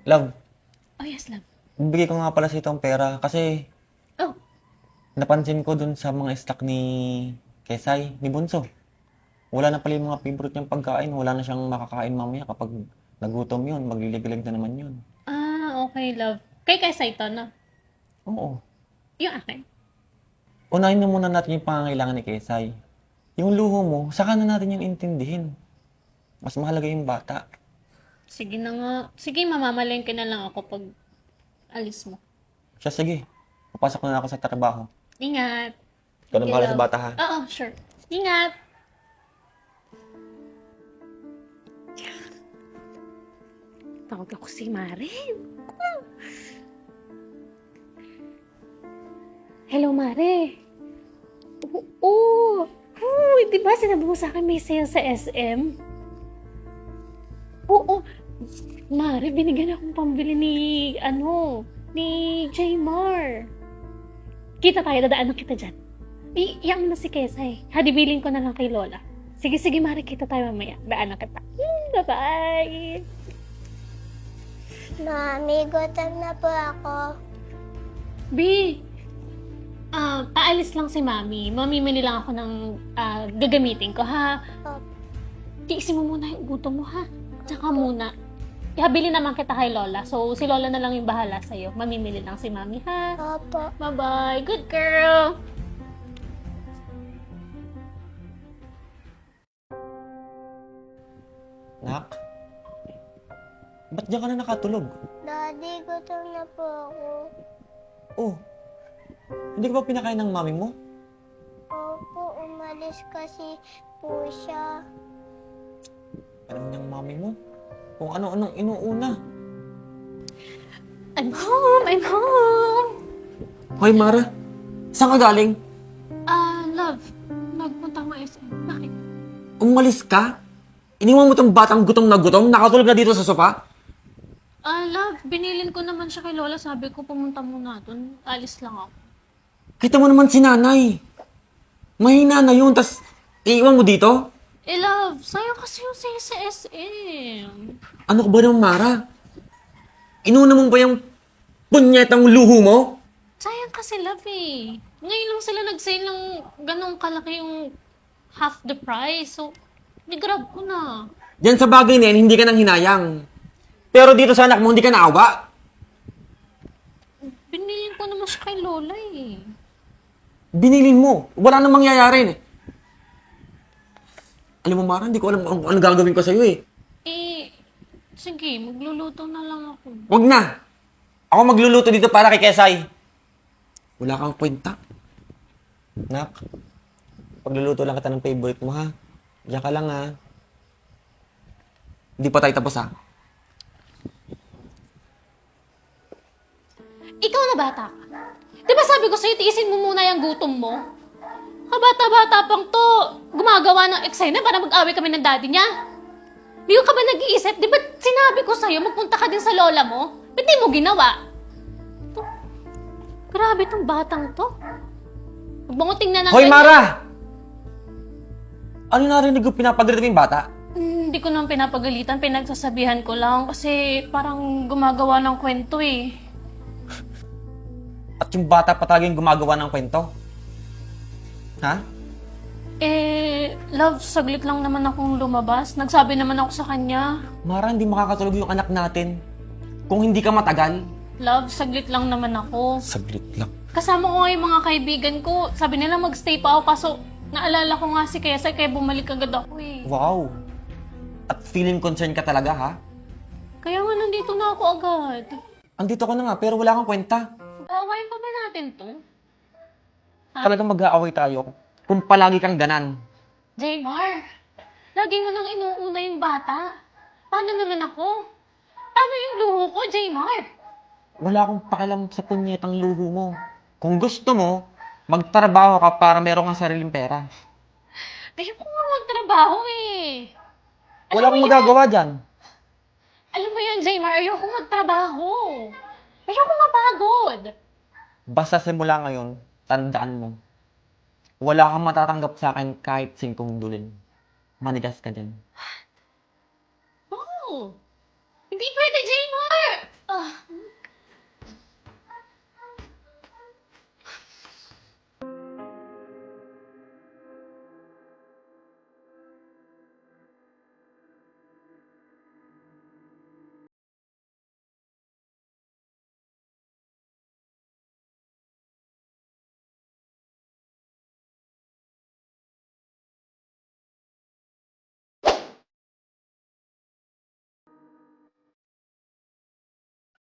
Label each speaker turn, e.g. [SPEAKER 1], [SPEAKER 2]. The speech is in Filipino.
[SPEAKER 1] Love,
[SPEAKER 2] Oh, yes, love.
[SPEAKER 1] bibigay ko nga pala sa itong pera kasi
[SPEAKER 2] Oh,
[SPEAKER 1] napansin ko dun sa mga stock ni Kesay, ni Bunso. Wala na pala yung mga favorite niyang pagkain. Wala na siyang makakain mamaya kapag nagutom yun. Maglilig-lig na naman yun.
[SPEAKER 2] okay, love. Kay Kesa ito, no?
[SPEAKER 1] Oo.
[SPEAKER 2] Yung akin.
[SPEAKER 1] Unahin na muna natin yung pangangailangan ni Kesay. Yung luho mo, saka na natin yung intindihin. Mas mahalaga yung bata.
[SPEAKER 2] Sige na nga. Sige, mamamalengke na lang ako pag alis mo.
[SPEAKER 1] Siya, sige. Papasok na ako sa trabaho.
[SPEAKER 2] Ingat.
[SPEAKER 1] Ikaw na
[SPEAKER 2] Okay,
[SPEAKER 1] bahala sa
[SPEAKER 2] love.
[SPEAKER 1] bata, ha?
[SPEAKER 2] Oo, sure. Ingat. Tawag ako si Mare. Hello, Mare. Oo. Uy, di ba sinabi mo sa akin may sale sa SM? Oo. Mare, binigyan akong pambili ni Jaymar. Kita tayo, dadaanan kita dyan. Iyan mo na si Kesay. Hadibilin ko na lang kay Lola. Sige, sige, Mare, kita tayo mamaya. Daanan kita. Bye-bye.
[SPEAKER 3] Mami, gutom na po ako.
[SPEAKER 2] B, paalis lang si Mami. Mamimili lang ako ng gagamitin ko, ha?
[SPEAKER 3] Opo.
[SPEAKER 2] Tiisin mo muna yung gutom mo, ha? Tsaka muna. Ihabili naman kita kay Lola. So, si Lola na lang yung bahala sa'yo. Mamimili lang si Mami, ha?
[SPEAKER 3] Opo.
[SPEAKER 2] Bye-bye. Good girl.
[SPEAKER 1] Nak? Ba't diyan ka na nakatulog?
[SPEAKER 3] Daddy, gutom na po ako.
[SPEAKER 1] Oh, hindi ka ba pinakain ng mami mo?
[SPEAKER 3] Opo, umalis kasi po siya.
[SPEAKER 1] Alam niyang mami mo? Kung ano-anong inuuna.
[SPEAKER 2] I'm home. I'm home.
[SPEAKER 1] Hoy, Mara. Saan ka galing?
[SPEAKER 2] Love. Nagpunta ako SM. Bakit?
[SPEAKER 1] Umalis ka? Iniwan mo tong batang gutom na gutom? Nakatulog na dito sa sofa?
[SPEAKER 2] Love. Binilin ko naman siya kay Lola. Sabi ko, pumunta muna dun. Alis lang ako.
[SPEAKER 1] Kita mo naman si nanay. Mahina na yun, tas iiwan mo dito?
[SPEAKER 2] Love. Sayang kasi yung sale sa SM.
[SPEAKER 1] Ano ka ba naman, Mara? Inuna mo ba yung punyetang luho mo?
[SPEAKER 2] Sayang kasi, love eh. Ngayon lang sila nag-sale ng ganong kalaki yung half the price. So, ni-grab ko na.
[SPEAKER 1] Diyan sa bagay na yan, hindi ka nang hinayang. Pero dito sa anak mo, hindi ka naawa.
[SPEAKER 2] Binilin ko naman siya kay Lola eh.
[SPEAKER 1] Binilin mo. Wala nang mangyayari. Alam mo, Mara, hindi ko alam kung ano gagawin ko sa'yo eh.
[SPEAKER 2] Sige, magluluto na lang ako.
[SPEAKER 1] Wag na. Ako magluluto dito para kay Kesay. Wala kang kwenta. Nak, pagluluto lang kita ng favorite mo, ha? Diyan ka lang, ha? Hindi pa tayo tapos, ha?
[SPEAKER 2] Ikaw na bata ka. Di ba sabi ko sa'yo, tiisin mo muna yung gutom mo? Kabata-bata pang to, gumagawa ng eksena para mag-away kami ng daddy niya. Di ka ba nag-iisip? Di ba sinabi ko sa'yo, magpunta ka din sa lola mo? Ba't di mo ginawa? To, grabe tong batang to. Huwag mong tingnan ng
[SPEAKER 1] Hoy,
[SPEAKER 2] ganyan.
[SPEAKER 1] Mara! Ano narinig ko pinapagalit mo yung bata?
[SPEAKER 2] Hindi ko naman pinapagalitan, pinagsasabihan ko lang kasi parang gumagawa ng kwento eh.
[SPEAKER 1] At yung bata pa talaga yung gumagawa ng kwento? Ha?
[SPEAKER 2] Love, saglit lang naman akong lumabas. Nagsabi naman ako sa kanya.
[SPEAKER 1] Mara, hindi makakatulog yung anak natin. Kung hindi ka matagal.
[SPEAKER 2] Love, saglit lang naman ako.
[SPEAKER 1] Saglit lang.
[SPEAKER 2] Kasama ko nga yung mga kaibigan ko. Sabi nila magstay pa ako kaso naalala ko nga si Kesa kaya bumalik agad ako eh.
[SPEAKER 1] Wow. At feeling concerned ka talaga, ha?
[SPEAKER 2] Kaya nga nandito na ako agad.
[SPEAKER 1] Andito ko na nga, pero wala kang kwenta.
[SPEAKER 2] Awayin pa ba natin to?
[SPEAKER 1] Talagang mag-aaway tayo kung palagi kang ganan.
[SPEAKER 2] Jaymar, lagi mo nang inuuna yung bata. Paano naman ako? Paano yung luho ko, Jaymar?
[SPEAKER 1] Wala akong pakialam sa punyetang luho mo. Kung gusto mo, magtrabaho ka para meron kang sariling pera.
[SPEAKER 2] Ayoko nga magtrabaho eh.
[SPEAKER 1] Wala akong magagawa dyan.
[SPEAKER 2] Alam mo yan, Jaymar, ayoko magtrabaho. Ayoko mapagod.
[SPEAKER 1] Basta simula ngayon, tandaan mo, wala kang matatanggap sa akin kahit 5 dulin. Manigas ka dyan.
[SPEAKER 2] Oh, hindi pwede, Jaymar. Ah,